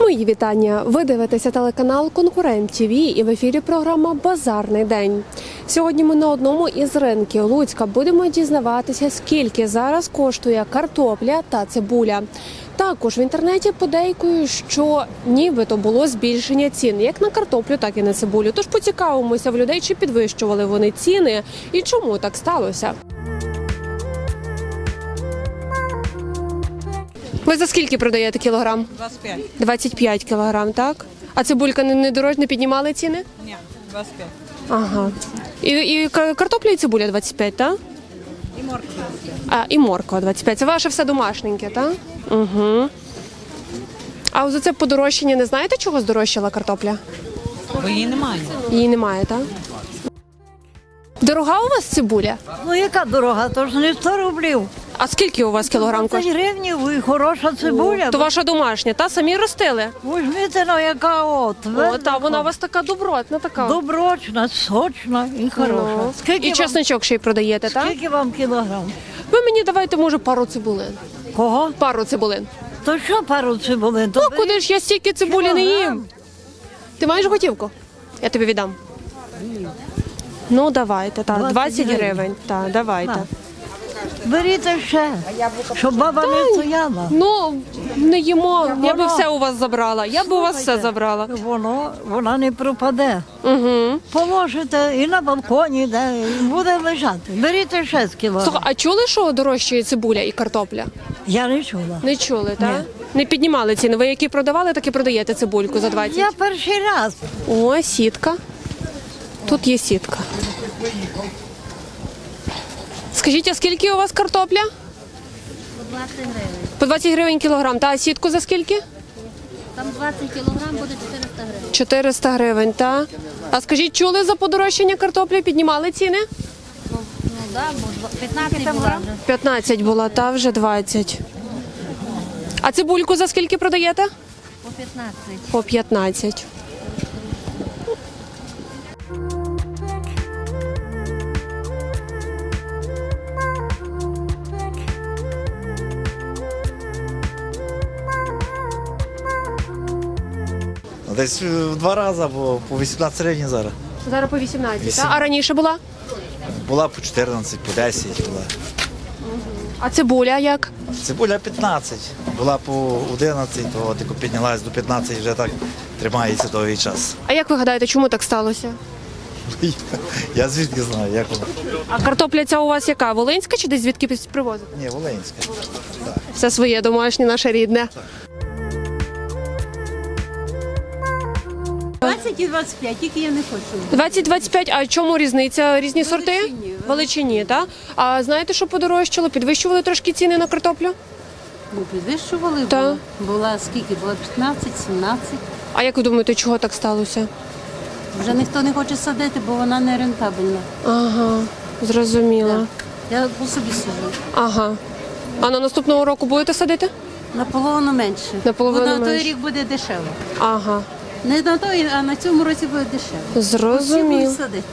Мої вітання! Ви дивитеся телеканал «Конкурент ТВ» і в ефірі програма «Базарний день». Сьогодні ми на одному із ринків Луцька будемо дізнаватися, скільки зараз коштує картопля та цибуля. Також в інтернеті подейкують, що нібито було збільшення цін як на картоплю, так і на цибулю. Тож поцікавимося в людей, чи підвищували вони ціни і чому так сталося. Ви за скільки продаєте кілограм? 25. 25 кілограм, так? А цибулька не піднімали ціни? Ні, 25. Ага. І картопля і цибуля 25, так? І морква 25. А, і морква 25. Це ваше все домашненьке, так? Угу. А за це подорожчання не знаєте, чого здорожчала картопля? Бо її немає. Її немає, так? Дорога у вас цибуля? Ну яка дорога? То ж не 100 рублів. А скільки у вас кілограм 20 коштує? гривнів і хороша цибуля. То ваша домашня, та? Самі ростили? Візьмите, ну яка от. О, та вона у вас така добротна, така. Доброчна, сочна і хороша. Ну. Скільки, І чесничок ще й продаєте, так? скільки вам кілограм? Ви мені давайте, може, пару цибулин. Кого? Пару цибулин. То що пару цибулин? Ну, куди ж я стільки цибулі не їм? Ти маєш готівку? Я тобі віддам. Ну, давайте, так. 20 гривень. Так, давайте. На. Беріть ще, щоб баба не стояла. Ну, не їмо. Я би воно- все у вас забрала. Я б у вас все забрала. Вона не пропаде. Угу. Положите і на балконі, де і буде лежати. Беріть ще з кілограм. Слухай, а чули, що дорожчає цибуля і картопля? Я не чула. Не чули, так? Не піднімали ціни. Ви які продавали, так і продаєте цибульку за 20? Я перший раз. О, сітка. Тут є сітка. Скажіть, а скільки у вас картопля? По 20 гривень. По 20 гривень кілограм. Та а сітку за скільки? Там 20 кілограм буде 400 гривень. 400 гривень, так? А скажіть, чули за подорожчання картоплі? Піднімали ціни? Ну да, бо 15 була вже. 15 була, та вже 20. А цибульку за скільки продаєте? По 15. По 15. Десь в 2 рази, бо по 18 гривень зараз. Зараз по 18, так? А раніше була? Була по 14, по 10 була. А цибуля як? Цибуля 15, була по 11, то тільки піднялась до 15, вже так тримається довгий час. А як ви гадаєте, чому так сталося? Я звідки знаю, як воно. А картопля ця у вас яка? Волинська чи десь звідки привозите? Ні, Волинська. Все своє, домашнє, наше рідне. 20 і 25, тільки я не хочу. 20-25, а чому різниця? Різні сорти? Величині, так? А знаєте, що подорожчало? Підвищували трошки ціни на картоплю? Ну, підвищували, Так. була скільки? Була 15, 17. А як ви думаєте, чого так сталося? Вже ніхто не хоче садити, бо вона не рентабельна. Ага, зрозуміла. Я по собі сижу. Ага. А на наступного року будете садити? Наполовину менше. Наполовину бо на той менше. рік буде дешево. Ага, Не на той, а на цьому році буде дешево. Всі зрозуміло. будуть садити.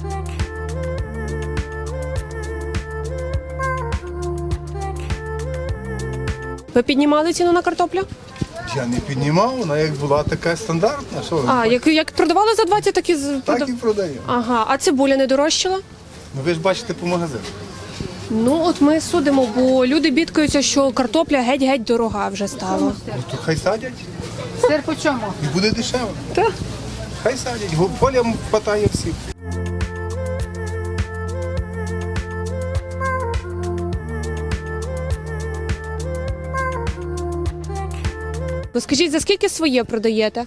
Ви піднімали ціну на картоплю? Я не піднімав, вона як була така стандартна. Що ви? А, як продавали за 20, так і Так і продаю. Ага, а цибуля не дорожчала? Ну ви ж бачите по магазину. Ну, от ми судимо, бо люди бідкаються, що картопля геть-геть дорога вже стала. Ну то хай садять Сир по чому? і буде дешево. Так. Хай садять, полям хватає всіх. Ви скажіть, за скільки своє продаєте?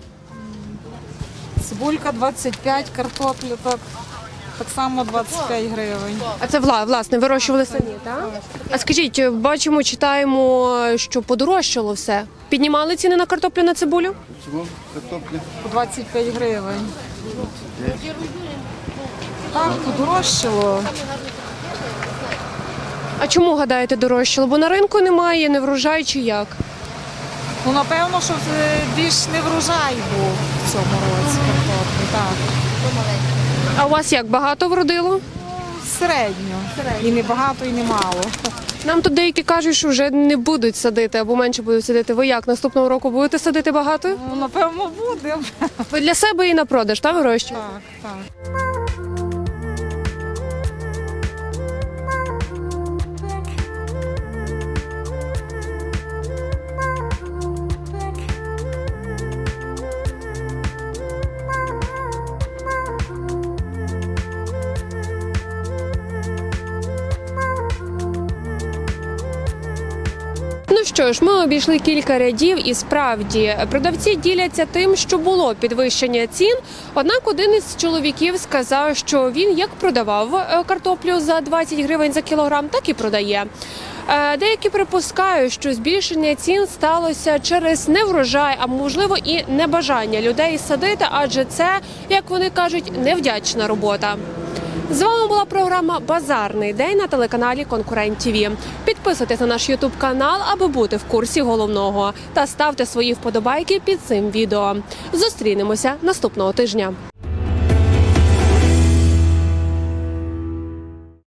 Цибулька 25, картопля так само 25 гривень. А це власне вирощували самі, так? А скажіть, бачимо, читаємо, що подорожчало все. Піднімали ціни на картоплю, на цибулю? По 25 гривень. Так, подорожчало. А чому, гадаєте, дорожчало? Бо на ринку немає, не врожай чи як? Ну, напевно, що більш не врожай був в цьому році картоплі, так. А у вас як, багато вродило? Середньо. І не багато, і не мало. Нам тут деякі кажуть, що вже не будуть садити або менше будуть садити. Ви як наступного року будете садити багато? Ну, напевно, будемо. Ви для себе і на продаж, та вирощуєте? Так, так. Ну що ж, ми обійшли кілька рядів і справді продавці діляться тим, що було підвищення цін. Однак один із чоловіків сказав, що він як продавав картоплю за 20 гривень за кілограм, так і продає. Деякі припускають, що збільшення цін сталося через неврожай, а можливо і небажання людей садити, адже це, як вони кажуть, невдячна робота. З вами була програма «Базарний день» на телеканалі «Конкурент ТІВІ». Підписуйтесь на наш ютуб канал, аби бути в курсі головного. Та ставте свої вподобайки під цим відео. Зустрінемося наступного тижня.